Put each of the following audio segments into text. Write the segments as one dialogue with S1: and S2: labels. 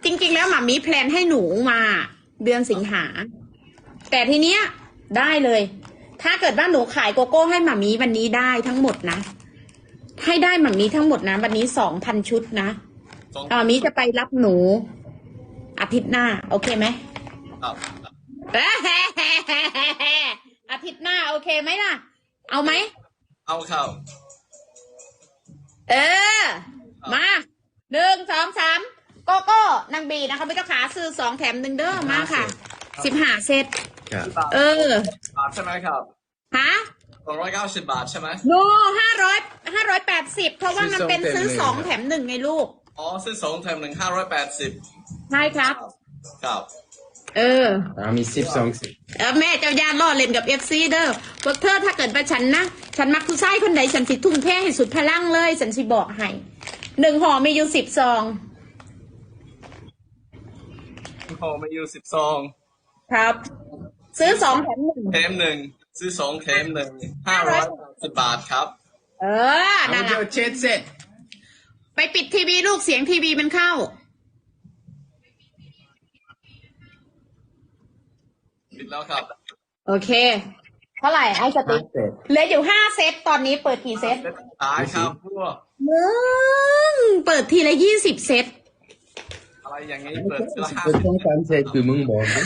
S1: ริงๆแล้วหมามีแพลนให้หนูมาเดือนสิงหาแต่ทีเนี้ยได้เลย ถ้าเกิดว่าหนูขายโกโก้ให้หมามีวันนี้ได้ทั้งหมดนะให้ได้หมามีทั้งหมดนะวันนี้2,000 ชุดนะหมามีจะไปรับหนูอาทิตย์หน้าโอเคไหม
S2: ครับ
S1: อาทิตย์หน้าโอเคไหมล่ะเอาไหม
S2: เอาครับ
S1: เออมา1 2 3โกโก้นางบีนะคะไม่ต้องขาซื้อ2 แถม 1เด้อมาค่ะ15 เซต
S3: ครับ
S1: เออบ
S2: าทใช่ไหมครับ
S1: ฮะ
S2: 290 บาทใช่ไหม
S1: โน580เพราะว่ามันเป็นซื้อ2 แถม 1ไงลูก
S2: อ๋อซื้อ2 แถม 1 580
S1: ใช่ครับ
S2: ครับ
S1: เออ
S3: มี12 สิบ
S1: แม่เจ้าย่าล่อเล่นกับFCเด้อพวกเธอถ้าเกิดว่าฉันนะฉันมักผู้ชายคนใดฉันสิทุ่มเทให้สุดพลังเลยฉันสิบอกให้1 ห่อมีอยู่10 ซอง
S2: พอมาอยู่10 ซอง
S1: ครับ ซื้อ2 แถม 1
S2: แถม 1ซื้อ2 แถม 1 580 บาทครับ
S1: เออ
S3: เอา
S1: นั่น
S3: เจ้า
S1: น่ะ
S3: เช็ดเสร็จ
S1: ไปปิดทีวีลูกเสียงทีวีมันเข้า
S2: ปิดแล้วครับ
S1: โอเค เท่าไหร่ไอ้สติ๊กเหลืออยู่5 เซตตอนนี้เปิดกี่เซต
S2: ตายครับพวก
S1: มึงเปิดทีละ20 เซต
S2: อะไรอย่างนี้เปิดทีละ
S3: เป็นต้องการเสร็จคือมึงบอกนะ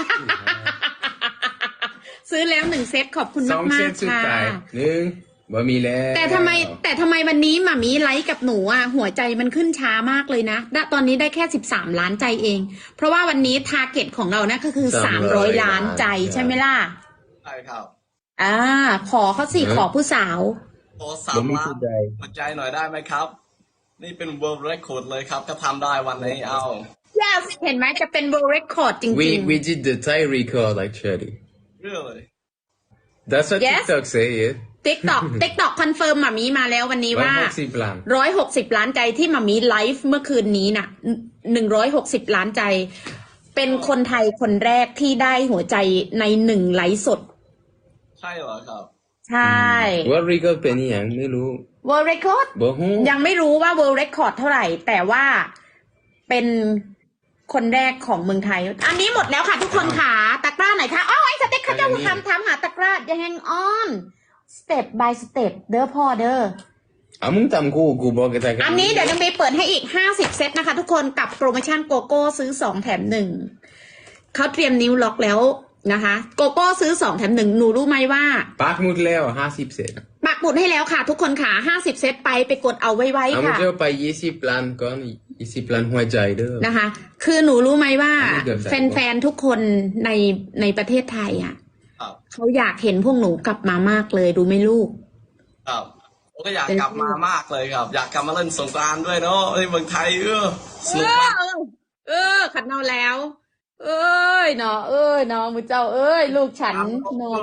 S1: ซื้อแล้ว1 เซตขอบคุณ
S3: ส
S1: มา
S3: อง
S1: ก
S3: เซ
S1: มา
S3: ต
S1: ก
S3: สุด
S1: ค่ะ
S3: ท้ายบ่มีแล้ว
S1: แต่ทำไมวันนี้หมามีไลค์กับหนูอ่ะหัวใจมันขึ้นช้ามากเลยนะตอนนี้ได้แค่13 ล้านใจเอง เพราะว่าวันนี้ทาร์เก็ตของเรานะก็คือ300 ล้านใจใช่ไหมล่ะ
S2: ใช่ครับ
S1: ขอเขาสิขอผู้สาว
S2: โอ้
S3: บ่มี
S2: 3 ล้าน
S3: สุดใด
S2: หัวใจหน่อยได้ไหมครับ นี่เป็น world record เลยครับถ้าทำได้วันนี้เอา
S1: yes เห็นไหมจะเป็น world record จริง
S3: we did the Thai record actually
S2: really
S3: that's what
S1: Yes.
S3: TikTok say yeah
S1: ๆ TikTok คอนเฟิร์มหมามีมาแล้ววันนี้ว่า
S3: 160 ล้าน
S1: 160 ล้านใจที่หมามีไลฟ์เมื่อคืนนี้น่ะ160 ล้านใจ เป็นคนไทยคนแรกที่ได้หัวใจใน1 ไลฟ์สด
S2: ใช่เหรอครับ
S1: ใช่
S3: ว่า record เป็นอหย่างไม่รู้
S1: World Record
S3: บ่ฮู้
S1: ยังไม่รู้ว่า World Record เท่าไหร่ แต่ว่าเป็นคนแรกของเมืองไทย อันนี้หมดแล้วค่ะทุกคนค่ะตะกร้าไหนคะไอ้สเต็กเขาจะทำหาตะกร้ายังแฮงออน step by step เด้อพ่อเด้อ
S3: มึงทำกูบอกกันแต่กั
S1: อันนี้เดี๋ยวน้องเบย์เปิดให้อีก50 เซตนะคะทุกคนกับโปรโมชั่นโกโก้ซื้อ2 แถม 1เขาเตรียมนิ้วล็อกแล้วนะคะโกโก้ซื้อ2 แถม 1หนูรู้ไหมว่า
S3: ปักหมุดแล้ว50 เซต
S1: ปักหมุดให้แล้วค่ะทุกคนค่ะ50 เซตไปกดเอาไว้
S3: มึง
S1: ค่ะ
S3: จะไป20 ล้านก่อน20 ล้านหัวใจเด้อ
S1: นะคะ คือหนูรู้ไหมว่า
S3: อันนี้เกือบได้
S1: แฟนๆทุกคนในประเทศไทยอ่ะ
S2: ครับ
S1: เขาอยากเห็นพวกหนูกลับมามากเลยดูไหมลูก
S2: ครับผมก็อยากกลับมามากเลยครับ อยากกลับมาเล่นสงกรานต์ด้วยเนาะในเมืองไทยสนุกมาก
S1: ขัดเนาแล้ว เอ้ยเนาะมือเจ้าเอ้ยลูกฉันเนาะ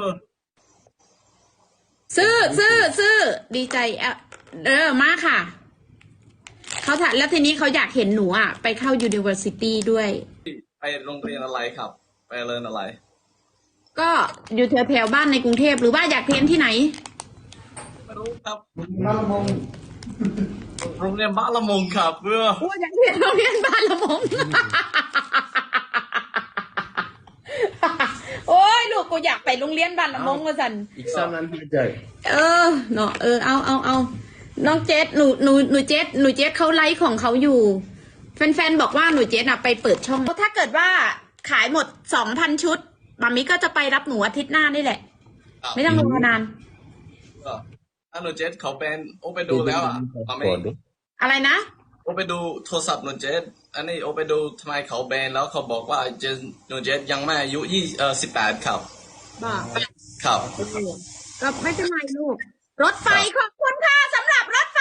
S1: ซื้อดีใจมากค่ะเขาถามแล้วทีนี้เขาอยากเห็นหนูอ่ะไปเข้า University ด้วย
S2: ไปโรงเรียนอะไรครับ ไปเรียนอะไร
S1: ก็อยู่แถวๆบ้านในกรุงเทพหรือว่าอยากเรียนที่ไหน
S2: ไม่รู้ครับบ้านละมงโรงเรียนบ้านละมงครับ
S1: อยากเรียนโรงเรียนบ้านละมง โอ้ยลูกกูอยากไปโรงเรียนบ้านละมงว่าสัน
S3: อีก3 ล้านหัวใจ
S1: เนาะเอาน้องเจสหนูเจสเขาไลฟ์ของเขาอยู่แฟนๆบอกว่าหนูเจสอะไปเปิดช่องถ้าเกิดว่าขายหมด 2,000 ชุดมามิก็จะไปรับหนูอาทิตย์หน้านี่แหละ ไม่ต้องรอนาน
S2: อันหนูเจสเขาเป็นโอไปดูแล้วอ่ะ
S1: อะไรนะ
S2: โอไปดูโทรศัพท์หนูเจสอันนี้โอไปดูทำไมเขาแบนแล้วเขาบอกว่าเจสหนูเจสยังไม่อายุ18ครับ
S1: บอก
S2: ครับ
S1: ก็ไม่เป็นไรลูกรถไฟขอบคุณค่ะสำหรับรถไฟ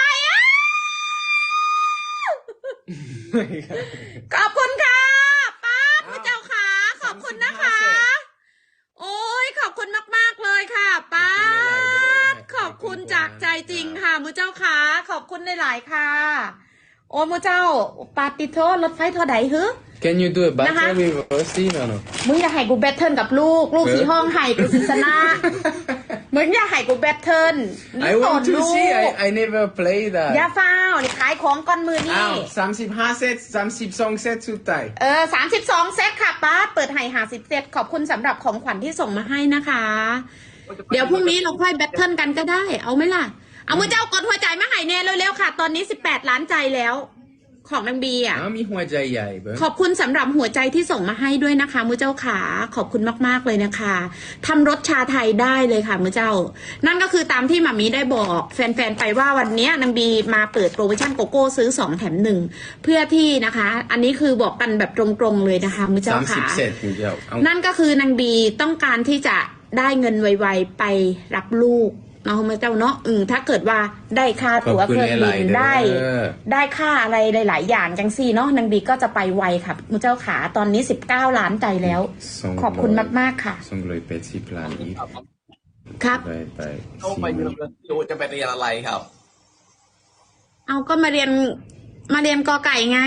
S1: ขอบคุณค่ะป้าพระเจ้าค่ะขอบคุณนะคะ โอ้ยขอบคุณมากๆเลยค่ะป้าขอบคุณจากใจจริงค่ะมือเจ้าค่ะขอบคุณหลายๆค่ะโอ้มือเจ้าปาติโทรถไฟเท่าใดฮึ
S3: Can you do a battle with us no
S1: มึงอยากให้กูแบทเทิลกับลูกสีห้องไห้กูสิชนะมึงอย่าให้กูแบทเทิล
S3: I want to
S1: ลูก
S3: see. I never play
S1: อย่า
S3: that.
S1: ฟ้าวนี่ขายของก้อนมือนี่
S3: อ้าว35 เซต32 เซตสุดท้าย
S1: 32 เซตค่ะป้าเปิดให้50 เซตขอบคุณสำหรับของขวัญที่ส่งมาให้นะคะ เดี๋ยวพรุ่งนี้เราค่อยแบทเทิลกันก็ได้ เอาไหมล่ะ เอามือเจ้ากดหัวใจมาให้แน่เร็วๆค่ะ ตอนนี้18 ล้านใจแล้ว ของนางบีอ่ะ
S3: อ้าวมีหัวใจใหญ่เบิ้ง
S1: ขอบคุณสำหรับหัวใจที่ส่งมาให้ด้วยนะคะมือเจ้าขาขอบคุณมากๆเลยนะคะทำรสชาไทยได้เลยค่ะมือเจ้า นั่นก็คือตามที่หมามีได้บอกแฟนๆไปว่าวันนี้นางบีมาเปิดโปรโมชั่นโกโก้ซื้อ2แถม1เพื่อที่นะคะ อันนี้คือบอกกันแบบตรงๆเลยนะคะมือเจ้าขา
S3: 30 เซตคุณเจ้าเอา
S1: นั่นก็คือนางบีต้องการที่จะได้เงินไวๆไปรับลูกเนาะมือเจ้าเนาะถ้าเกิดว่าได้ค่าตั๋วเครื่องบินได้ค่าอะไรหลายๆอย่างจังซี่เนาะนางบีก็จะไปไวค่ะมือเจ้าขาตอนนี้19 ล้านใจแล้ว ขอบคุณมากๆค่ะ
S3: 280 ล้านอีก
S1: ครับ
S3: ไป
S2: เข้าไปเรียนรู้จะไปเรียนอะไรครับ
S1: เอาก็มาเรียนกอไก่ไง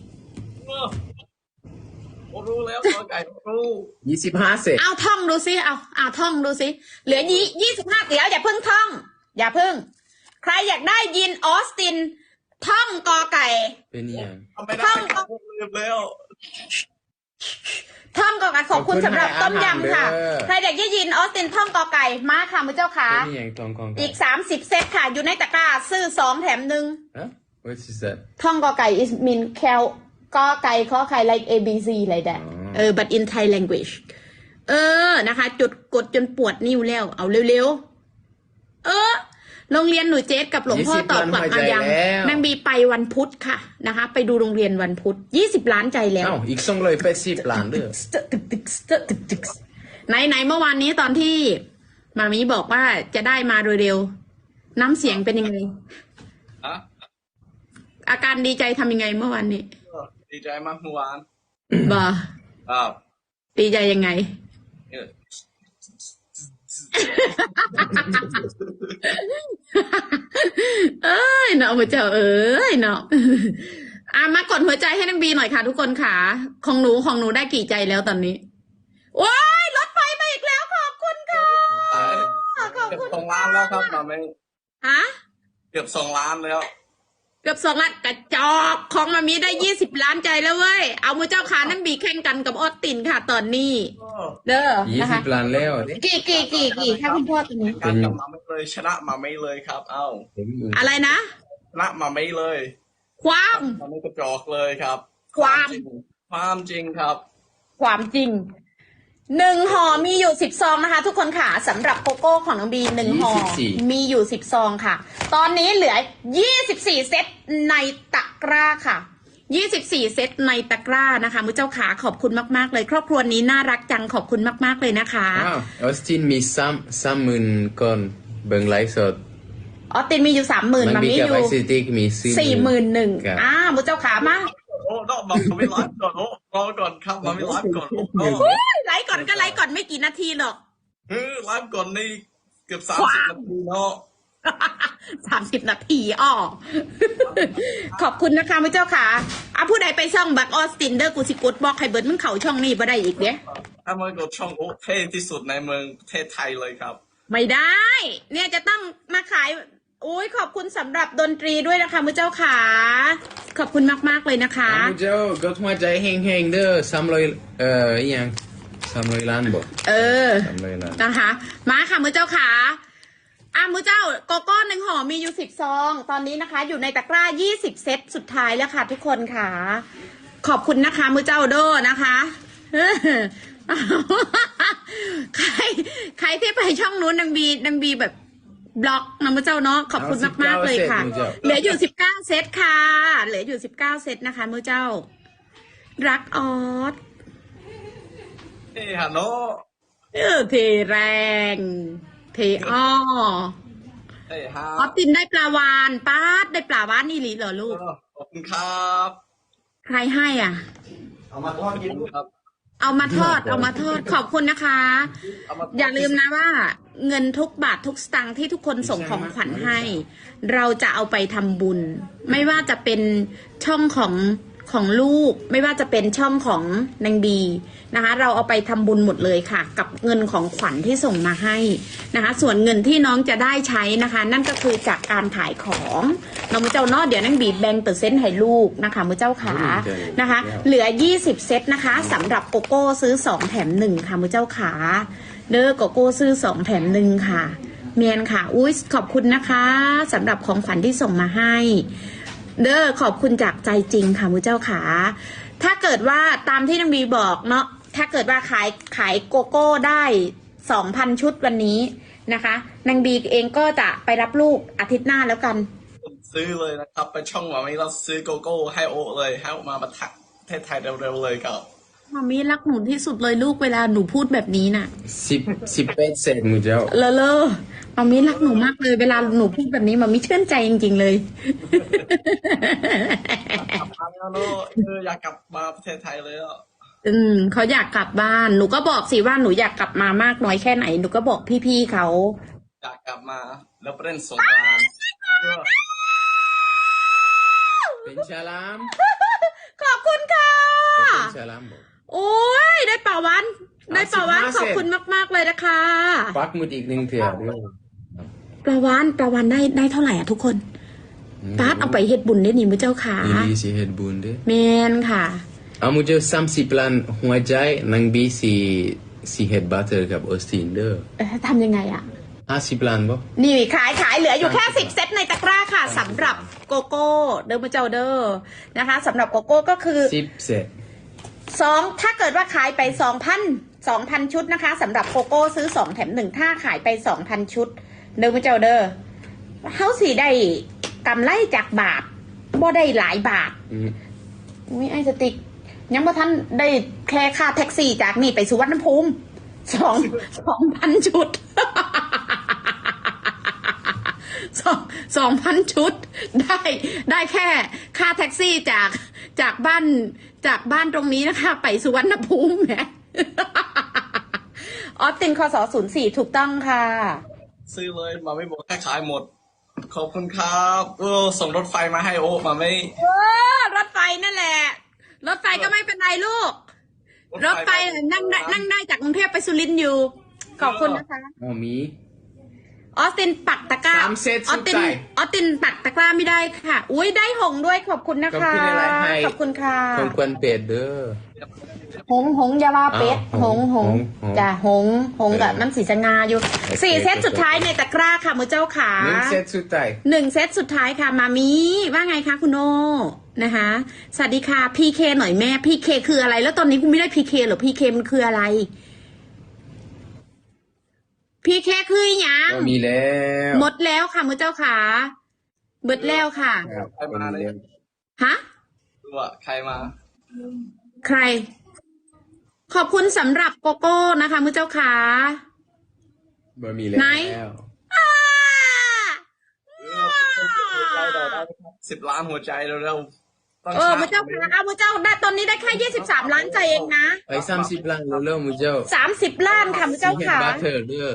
S2: รู้แล้วก็ไก่รู้
S3: 25 เซต
S1: เอาท่องดูซิเอาท่องดูซิเหลือ25เดี๋ยวอย่าเพิ่งท่อง อย่าเพิ่ง ใครอยากได้ยินออสติน ท่องกอไก่
S3: เป็นยัง
S2: ทำไม่ได้ครับลืมแล้ว
S1: ท่องกอไก่ขอบคุณสำหรับต้มยำค่ะ
S3: ขอบคุณ
S1: ใครอยากได้ยินออสตินท่องกอไก่มาค่ะมือเจ้าขา
S3: เป็นยังทองกอง
S1: อีก30 เซตค่ะ อยู่ในตะกร้าซื้อ2แถม1
S3: ฮะ what is that
S1: ท่องกอไก่ is mean cal กอไก่ขอไข่ like A B C อะไรแบบbut in Thai language นะคะจุดกดจนปวดนิ้วแล้ว เอาเร็วๆโรงเรียนหนูเจสกับหลวงพ่อตอบก่อนเอายังนางบีไปวันพุธค่ะนะคะ ไปดูโรงเรียนวันพุธ20 ล้านใจแล้ว
S3: อ้าวอีก280 ล้านเด้อ
S1: ไหนเมื่อวานนี้ตอนที่มามีบอกว่าจะได้มาโดยเร็ว น้ำเสียงเป็นยังไง
S2: ฮะ
S1: อาการดีใจทำยังไงเมื่อวานนี้
S2: ดีใจมากเมื่อวาน
S1: บ่
S2: ครับ
S1: ดีใจยังไง
S2: เออ
S1: เอ้ยเนาะพระเจ้าเอ้ยเนาะมากดหัวใจให้นางบีหน่อยค่ะ ทุกคนค่ะของหนูได้กี่ใจแล้วตอนนี้โอ้ยรถไฟมาอีกแล้วขอบคุณค่ะขอบ
S2: เกือบ
S1: คุณ
S2: 2 ล้านแล้วครับมาไม่
S1: ฮะ
S2: เกือบ2 ล้านแล้ว
S1: เกือบ2 ล้านกระจอกของมามีได้20 ล้านใจแล้วเว้ยเอามือเจ้าขานางบีแข่งกันกับออสตินค่ะ ตอนนี้ เด้อนะคะ
S3: 20 ล้านแล้ว
S1: กี่ค่ะคุณพ่อตัวนี้
S2: การกลับมาไม่เลยชนะมาไม่เลยครับ เอ้า
S1: อะไรนะ
S2: ชนะมาไม่เลย
S1: ความ
S2: มาไม่กระจอกเลยครับ
S1: ความ
S2: จริงครับ
S1: ความจริง1 ห่อมีอยู่10 ซองนะคะ ทุกคนค่ะสำหรับโกโก้ของน้องบี1 ห่อมีอยู่10 ซองค่ะ ตอนนี้เหลือ24 เซตในตะกร้าค่ะ24 เซตในตะกร้านะคะมือเจ้าขาขอบคุณมากๆเลย ครอบครัวนี้น่ารักจังขอบคุณมากๆเลยนะคะ
S3: อ้าวออสตินมี30,000ก่อนเบิ่งไลฟ์สด
S1: ออสตินมีอยู่ 30,000มามีอยู่
S3: ไอซิติกมี
S1: 41,000
S3: ครับ
S1: มือเจ้าขามา
S2: โอ้ต้องบอกมาไม่ไลฟ์ก่อนโอ้รอก่อนครับมาไม่ไลฟ์ก่อนโอ้
S1: ไลฟ์ก่อนก็ไลฟ์ก่อนไม่กี่นาทีหรอก
S2: ไลฟ์ก่อนนี่เกือบ30 นาทีเนาะ
S1: 30 นาทีขอบคุณนะคะมือเจ้าขาผู้ใดไปช่องบักออสตินเดอร์กูสิกดบอกให้เบิร์ดมึงเข่าช่องนี้บ่ได้อีกเด้
S2: ถ้ามันกดช่องโอ้เท่ที่สุดในเมืองประเทศไทยเลยครับ
S1: ไม่ได้ เนี่ยจะต้องมาขายอุ้ยขอบคุณสำหรับดนตรีด้วยนะคะมือเจ้าขาขอบคุณมากๆเลยนะคะ
S3: อ้าวเจ้ากดหัวใจแห้งๆเด้อ300อีหยัง300 ล้านบ่300 ล้าน
S1: นะคะมาค่ะมือเจ้าขามือเจ้าโกโก้1 ห่อมีอยู่10 ซองตอนนี้นะคะ อยู่ในตะกร้า20 เซตสุดท้ายแล้วค่ะทุกคนค่ะขอบคุณนะคะมือเจ้าโดนะคะใครที่ไปช่องนู้นนางบีแบบบล็อกนะมือเจ้าเนาะขอบคุณมากๆเลยค่ะเหลืออยู่19 เซตค่ะเหลืออยู่19 เซตนะคะมือเจ้ารักออส
S2: เฮ้ฮัลโหล
S1: เทแรงเทอ้อ
S2: เฮ้ฮา
S1: ออสตินได้ปลาวานป้าดได้ปลาวานนี่หรือเหรอลูก
S2: ขอบคุณครับ
S1: ใครให้อ่ะ
S2: เอามาทอดกินครับ
S1: เอามาทอดขอบคุณนะคะ อย่าลืมนะว่า เงินทุกบาททุกสตางค์ที่ทุกคนส่งของขวัญให้ เราจะเอาไปทำบุญ ไม่ว่าจะเป็นช่องของของลูกไม่ว่าจะเป็นช่องของนางบีนะคะ เราเอาไปทำบุญหมดเลยค่ะ กับเงินของขวัญที่ส่งมาให้นะคะ ส่วนเงินที่น้องจะได้ใช้นะคะ นั่นก็คือจากการขายของน้องมือเจ้าเนอเดี๋ยวนางบีแบ่งเปอร์เซ็นต์ให้ลูกนะคะมือเจ้าขานะคะ เหลือ20เซตนะคะสำหรับโกโก้ซื้อ2แถม1ค่ะมือเจ้าขาเด้อโกโก้ซื้อ2แถม1ค่ะเมียนค่ะอุ้ยขอบคุณนะคะสำหรับของขวัญที่ส่งมาให้เด้อขอบคุณจากใจจริงค่ะมือเจ้าขาถ้าเกิดว่าตามที่นางบีบอกเนาะถ้าเกิดว่าขายโกโก้ได้ 2,000 ชุดวันนี้นะคะนางบีเองก็จะไปรับลูกอาทิตย์หน้าแล้วกัน
S2: ซื้อเลยนะครับไปช่องหมามีเราซื้อโกโก้ให้โอเลยให้โอมาประทักประเทศไทยเร็วๆเลยครับ
S1: มามีรักหนูที่สุดเลยลูกเวลาหนูพูดแบบนี้น่ะ
S3: 18 cent มุเจ้า
S1: เลอมามีรักหนูมากเลยเวลาหนูพูดแบบนี้มามีชื่นใจจริงๆเลย
S2: กลับมาแล้วเนอะอยากกลับมาประเทศไทยเลยอ่ะ
S1: เขาอยากกลับบ้านหนูก็บอกสิว่าหนูอยากกลับมามากน้อยแค่ไหนหนูก็บอกพี่ๆเขา
S2: อยากกลับมาแล้วไปเล่นสงกรานต์
S3: เป็นชาลาม
S1: ขอบคุณค่ะ
S3: เป็นชาลามบอก
S1: โอ้ยได้ป่าวันได้ป่าวันขอบคุณมากๆเลยนะคะ
S3: ปักหมุดอีกหนึ่งเถื่อด้วย
S1: ปลาวันได้เท่าไหร่อ่ะทุกคนปาดเอาไปเฮ็ดบุญได้นี่มือเจ้าขา
S3: อีลีสิเฮ็ดบุญเด้
S1: แมนค่ะ
S3: เอามุเจ้า30 ล้านหัวใจนางบีสิเฮ็ดบัตเตอร์กับออสตินเด้อ
S1: ทำยังไงอ่ะ
S3: 50 ล้านบ่
S1: นี่ขายเหลืออยู่แค่10เซตในตะกร้าค่ะสำหรับโกโก้เดอร์มาเจ้าเดอร์นะคะสำหรับโกโก้ก็คือ
S3: 10 เซต
S1: ถ้าเกิดว่าขายไป 2,000 ชุดนะคะสำหรับโกโก้ซื้อ2แถม1ถ้าขายไป 2,000 ชุดเดอร์มาเจ้าเดอร์เฮาสิได้กำไรจากบาทบ่ได้หลายบาทอุ้ยไอ้สติ๊กยังบ่ทันได้แค่ค่าแท็กซี่จากนี่ไปสุวรรณภูมิ2,000 ชุด 2,000 ชุดได้แค่ค่าแท็กซี่จากบ้านตรงนี้นะคะไปสุวรรณภูมิแหม ออสตินคศ04ถูกต้องค่ะ
S2: ซื้อเลยมาไม่บอกแค่ขายหมดขอบคุณครับส่งรถไฟมาให้โอมาไม่
S1: รถไฟนั่นแหละ รถไฟก็ไม่เป็นไรลูก รถไฟนั่งได้จากกรุงเทพไปสุรินทร์อยู่ ขอบคุณนะคะ
S3: อ๋อมี
S1: ออสตินปักตะกร้า
S3: 3 เซต
S1: อ
S3: สุ
S1: อส
S3: ด
S1: ติน
S3: ท้าย
S1: ออสตินปักตะกร้าไม่ได้ค่ะ อุ้ยได้หงส์ด้วยขอบคุณนะคะ
S3: ขอบคุณอะไรให้
S1: ขอบคุณค่ะ
S3: ของควรเป็ดเด้อ
S1: หงส์อยาวาเป็ด
S3: อ้าว
S1: หงส์
S3: หงส์
S1: จ้ะหงส์กับมันสีสงาอยู่
S3: โอเค
S1: 4 เซตสุดท้ายในตะกร้าค่ะมือเจ้าขา
S3: 1 เซตสุดท้าย
S1: 1 เซตสุดท้ายค่ะมามีว่าไงคะคุณโนนะคะ สวัสดีค่ะพีเคหน่อยแม่พีเคคืออะไร แล้วตอนนี้กูไม่ได้พีเคหรอพีเคมันคืออะไรพีเคคืออหยัง
S3: ก็มีแล้ว
S1: หมดแล้วค่ะมือเจ้าขาเบิดแล้วค่ะ
S3: ครับก็มีแล้ว
S1: ฮะ
S2: รู้ว่าใครมา
S1: ใคร ขอบคุณสำหรับโกโก้นะคะมือเจ้าขา
S3: บ่มีแล้ว
S1: ไหน อ้า
S2: 10 ล้านหัวใจเร็วๆต้อง
S1: มือเจ้าขาเอามือเจ้าได้ตอนนี้ได้แค่23 ล้านใจเองนะ
S3: ไป30 ล้านเร็วๆมุเจ้า
S1: 30 ล้านค่ะมือเจ้า
S3: สิเฮ็ด
S1: ขา
S3: บัตเตอร์เด้อ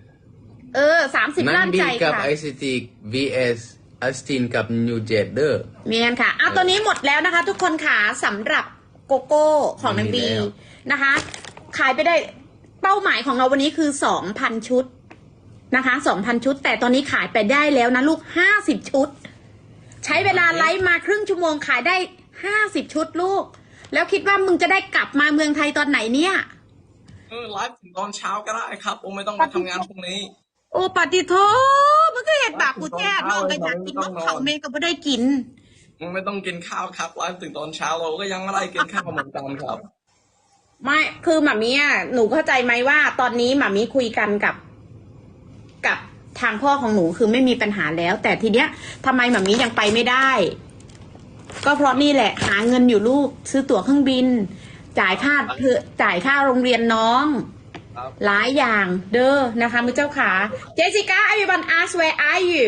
S1: 30
S3: นั่
S1: ล้าน น
S3: บี
S1: ใจ
S3: กับ
S1: ค่ะ
S3: ไอซิติก vs ออสตินกับนิวเจดเด้อ
S1: เมียนค่ะเอาตัวนี้หมดแล้วนะคะ ทุกคนค่ะสำหรับโกโก้ของนางบี
S3: มีแล้ว
S1: นะคะ ขายไปได้เป้าหมายของเราวันนี้คือ 2,000 ชุดนะคะ 2,000 ชุด แต่ตอนนี้ขายไปได้แล้วนะลูก 50 ชุด ใช้เวลาไลฟ์มาครึ่งชั่วโมงขายได้ 50 ชุดลูก แล้วคิดว่ามึงจะได้กลับมาเมืองไทยตอนไหนเนี่ย
S2: ไลฟ์ถึงตอนเช้าก็ได้ครับโอไม่ต้องไปทำงานพรุ่งนี้
S1: โอ้ปฏิโทมันก็เห็ดบาปกูแท้น้องก็อยากกินนกเขาเมย์ก็ไม่ได้กิน
S2: มึงไม่ต้องกินข้าวครับไลฟ์ถึงตอนเช้าเราก็ยังไม่ได้กินข้าวเหมือนกันครับ
S1: ไม่คือหมามีอ่ะหนูเข้าใจไหมว่า ตอนนี้หมามีคุยกันกับทางพ่อของหนูคือไม่มีปัญหาแล้ว แต่ทีเนี้ยทำไมหมามียังไปไม่ได้ ก็เพราะนี่แหละ หาเงินอยู่ลูก ซื้อตั๋วเครื่องบิน จ่ายค่าโรงเรียนน้อง
S2: ครับ
S1: หลายอย่างเด้อนะคะมือเจ้าขาเจสิก้า everyone ask where are you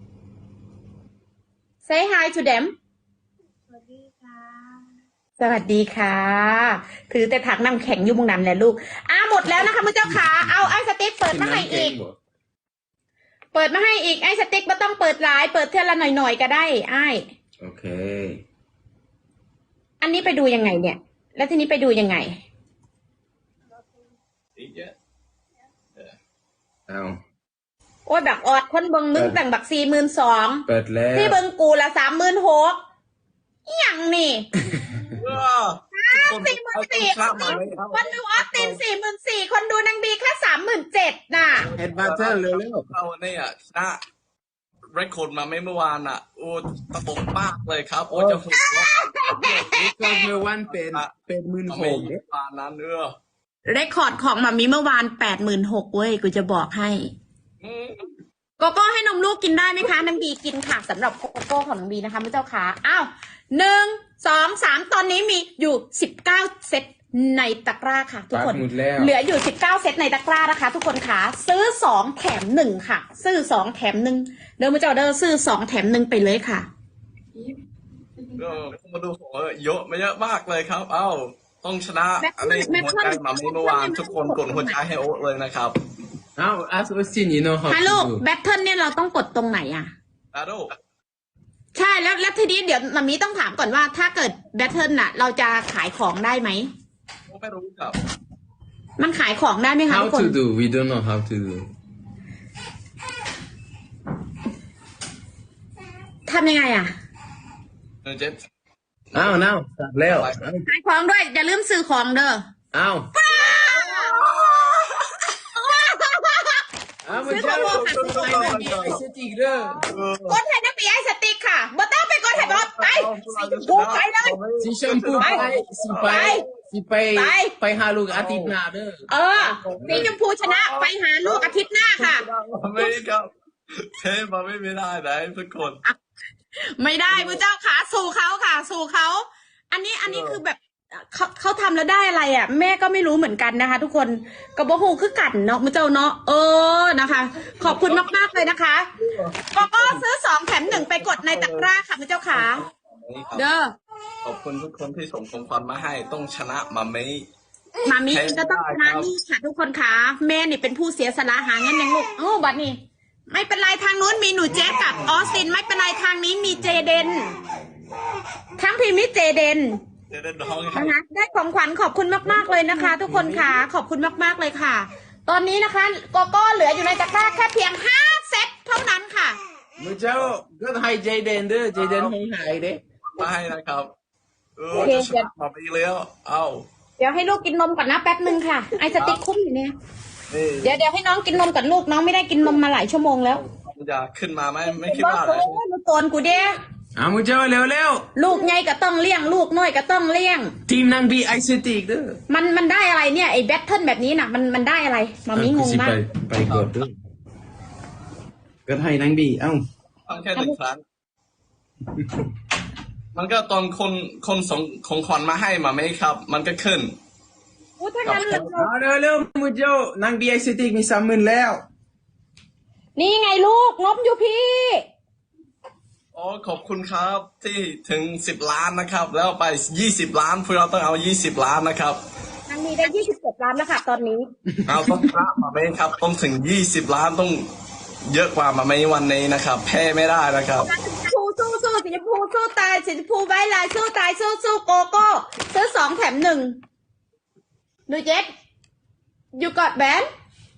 S1: say hi to them สวัสดีค่ะ ถือแต่ถังน้ำแข็งอยู่มุงนั้นแหละลูกหมดแล้วนะคะมือเจ้าขาเอาไอ้สติ๊กเปิดมาให้อีก เปิดมาให้อีกไอ้สติ๊กไม่ต้องเปิดหลาย เปิดเท่าละหน่อยๆก็ได้ไอ้
S3: โอเค
S1: อันนี้ไปดูยังไงเนี่ย แล้วทีนี้ไปดูยังไง
S2: อีกเยอะ
S3: เอา
S1: โอ้ยแบบออดคนเบิงมึงแต่งบัก42,000
S3: เปิดแล้ว
S1: ที่เบิงกูละ36,000อหย่างนี่ 44,000คนดูออสติน44,000คนดูนางบีแค่37,000น่ะ
S3: เอ็ดบัตเตอร์เร็ว
S2: เราเนี่ยชนะเรคคอร์ดมาไม่เมื่อวานอ่ะโอ้ตะบกมากเลยครับโอ้จะหัวเราะ
S3: ๆนี่ก็เมื่อวันเป็นหมื่น
S2: มา
S3: ห
S2: ไม่
S3: ก
S2: ยี่ปานนั้นเออ
S1: เรคคอร์ดของมามีเมื่อวาน86,000เว้ยกูจะบอกให้
S2: อืม
S1: โกโก้ให้นมลูกกินได้ไหมคะนางบีกินค่ะสำหรับโกโก้ของนางบีนะคะพระเจ้าค่ะอ้าว1 2 3ตอนนี้มีอยู่19เซตในตะกร้าค่ะ ทุกคน
S3: หมดแล้ว
S1: เหลืออยู่19เซตในตะกร้านะคะ ทุกคนค่ะซื้อ2แถม1ค่ะ ซื้อ2แถม1เดินมาเจ้าเดินซื้อ2แถม1ไปเลยค่ะ
S2: มาดูของเยอะไม่เยอะมากเลยครับ เอ้าต้องชนะอันนี้หัวใจมาไม่เมื่อวานทุกคนกดหัวใจให้โอ๊ตเลยนะครับ
S3: เอา ask Austin you know how
S1: ฮัลโหล
S3: to do
S1: แบทเทิลเนี่ยเราต้องกดตรงไหนอ่ะ
S2: อาโด
S1: ใช่แล้วทีนี้เดี๋ยวมามีต้องถามก่อนว่าถ้าเกิดแบทเทิลน่ะ เราจะขายของได้ไหม
S2: ไม่รู้ครับ
S1: มันขายของได้ไหมคะ
S3: how
S1: ทุกคน
S3: to do we don't know how to do
S1: ทำยังไงอ่ะ
S2: เจ็ด
S3: เอาnow ตัดแล้ว
S1: ขายของด้วย อย่าลืมซื้อของเด้อ
S3: เอาเอามันจะไปไหนดีไอ้สติกเด้อก
S1: ดให้นักปีไอสติ๊กค่ะบ่ต้องไปกดให้บอสไปกูไปเลย
S3: สีชมพูไปไปหาลูกอาทิตย์หน้าเด้อ
S1: สีชมพูชนะไปหาลูกอาทิตย์หน้าค่ะ
S2: ไม่ครับเทมาไม่ได้ไหนทุกคน
S1: ไม่ได้พระเจ้าขาสู่เขาค่ะ สู่เขา อันนี้คือแบบเขาทำแล้วได้อะไรอ่ะ แม่ก็ไม่รู้เหมือนกันนะคะ ทุกคนกระบอกหูคือกันเนาะพระเจ้าเนาะนะคะ ขอบคุณมากๆเลยนะคะก็ซื้อ2แถม1ไปกดในตะกร้าค่ะพระเจ้าขาเด้อ
S2: ขอบคุณทุกคนที่ส่งของขวัญมาให้ต้องชนะมาไม่
S1: มามีก็ต้องชนะนี่ค่ะทุกคนค่ะแม่นี่เป็นผู้เสียสละหาเงินอย่างลูกบัดนี้ไม่เป็นไรทางนู้นมีหนูเจ๊กับออสตินไม่เป็นไรทางนี้มีเจเดนทั้งพีมีเจเดน
S2: จะได้ร้องให้
S1: นะคะได้ของขวัญขอบคุณมากๆเลยนะคะ ทุกคนค่ะขอบคุณมากๆเลยค่ะ ตอนนี้นะคะโกโก้เหลืออยู่ในตะกร้าแค่เพียง5เซตเท่านั้นค่ะ
S3: มึงเจ้าก็ให้เจเดนเด้อเจเดนคงหายเด้
S2: มาให้นะครับจะชนะมาไม่แล้วเอ้า
S1: เดี๋ยวให้ลูกกินนมก่อนนะแป๊บนึงค่ะไอสติ๊กคุ้มอยู่เนี่ย
S2: นี่
S1: เดี๋ยวให้น้องกินนมกับลูกน้องไม่ได้กินนมมาหลายชั่วโมงแล้ว
S2: จะขึ้นมาไหมไม่คิดว่า
S1: โอ้ยลูกโกนกูเด้
S3: เอามึงเจ้าเร็ว
S1: ลูกใหญ่ก็ต้องเลี้ยงลูกน้อยก็ต้องเลี้ยง
S3: ๆทีมนางบีไอสติกเด้อ
S1: มันได้อะไรเนี่ยไอ้แบทเทิลแบบนี้น่ะมันได้อะไรมามีงงมาก
S3: ไปกดด้วยก็ให้นางบีเอ้า
S2: ฟังแค่1 ครั้ง มันก็ตอนคนส่งของขวัญมาให้มาไหมครับ มันก็ขึ้น
S1: อู้ถ้างั้นเรา
S3: เอาเร็วๆมึงเจ้านางบีไอสติกมี30,000แล้ว
S1: นี่ไงลูกงบอยู่พี่
S2: อ๋อขอบคุณครับที่ถึง10 ล้านนะครับ แล้วไป20 ล้านพวกเราต้องเอา20 ล้านนะครับ
S1: นางมีได้27 ล้านแล้วค่ะตอนนี้
S2: เอาต้องชนะมาไหมครับ ต้องถึง20 ล้านต้องเยอะกว่ามาไหมวันนี้นะครับ แพ้ไม่ได้นะครับ
S1: สู้สู้สีชมพูสู้ตายสีชมพูไว้ลายสู้ตายสู้โกโก้ซื้อ2แถม1ดูเจ็ดอยู่กอดแบน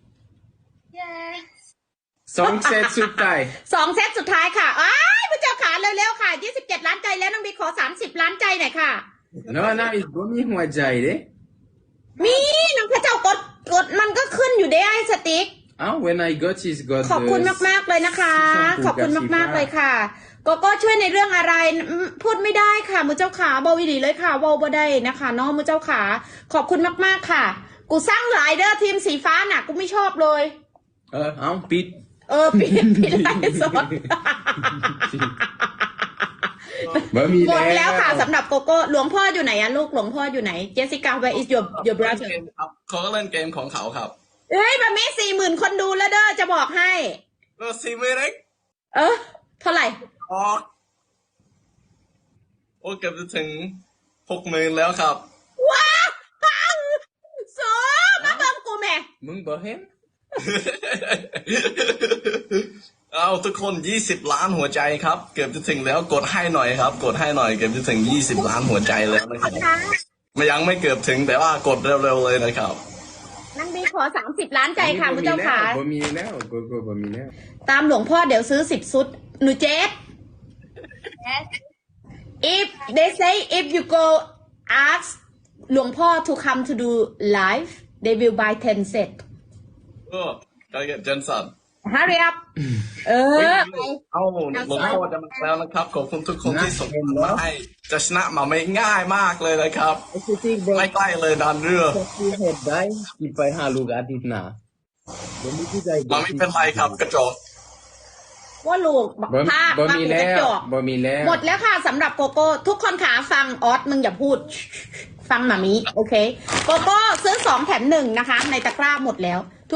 S3: 2 เซตสุดท้าย
S1: 2เซตสุดท้ายค่ะอ้ายพระเจ้าขาเร็วๆค่ะ27 ล้านใจแล้วน้องบีขอ30 ล้านใจหน่อยค่ะ
S3: No, isบ่มีหัวใจเด้
S1: มีน้องพระเจ้ากดมันก็ขึ้นอยู่ได้ไอ้สติ๊ก
S3: when I got is got
S1: ขอบคุณมากๆเลยนะคะ ขอบคุณมากๆเลยค่ะโกโก้ช่วยในเรื่องอะไรพูดไม่ได้ค่ะมือเจ้าขาเบาอีหลีเลยค่ะเบาบ่ได้นะคะน้องมือเจ้าขาขอบคุณมากๆค่ะ กูสร้างหลายเด้อทีมสีฟ้าน่ะกูไม่ชอบเลย
S3: ปิด
S1: ปิดไลฟ์สด
S3: บ่มี
S1: หมด
S3: แล้
S1: แล้วค่ะสำหรับโกโก้หลวงพ่ออยู่ไหนอะลูกหลวงพ่ออยู่ไหนเจสสิก้า where is your brother
S2: เขาก็เล่นเกมของเขาครับ
S1: เอ้ยมามี40,000 คนดูแล้วเด้อจะบอกให้
S2: แล้วซีไม่เล็ก
S1: เท่าไหร่
S2: อ๋อโอ้เกือบจะถึง60,000แล้วครับ
S1: ว้าวโซมาเบิ่งกูแม่
S3: มึงบ่เห็น
S2: เอาทุกคน20 ล้านหัวใจครับ เกือบจะถึงแล้วกดให้หน่อยครับ กดให้หน่อยเกือบจะถึง20 ล้านหัวใจแล้วนะครับยังไม่เกือบถึงแต่ว่ากดเร็วๆเลยนะครับ
S1: นางบีขอ30 ล้านใจค่ะคุณเจ้าขา
S3: บ่มีแล้วบ่มีแล้ว
S1: ตามหลวงพ่อเดี๋ยวซื้อ10 ชุดหนูเจส if they say if you go ask หลวงพ่อ to come to do live they will buy 10 set
S2: ก็เจนสัน
S1: hurry up
S2: เอาหลวงพ่อจะมาแล้วนะครับขอบคุณทุกคนที่ส่งมาให้จะชนะมาไม่ง่ายมากเลยนะครับไม่ใกล้เลยดันเรือ
S3: head die ที่ไปหาลูกอาทิตย์หน้าบ่มีผู้ใด
S2: มาไม่เป็นไรครับกระจก
S1: ว่าลูกภาพ
S3: บ่มีแล้ว
S1: จอก
S3: บ่มีแล้ว
S1: หมดแล้วค่ะสำหรับโกโก้ ทุกคนขาฟังออสมึงอย่าพูด ฟังหมามิโอเค โกโก้ซื้อ2 แถม 1นะคะ ในตะกร้าหมดแล้ว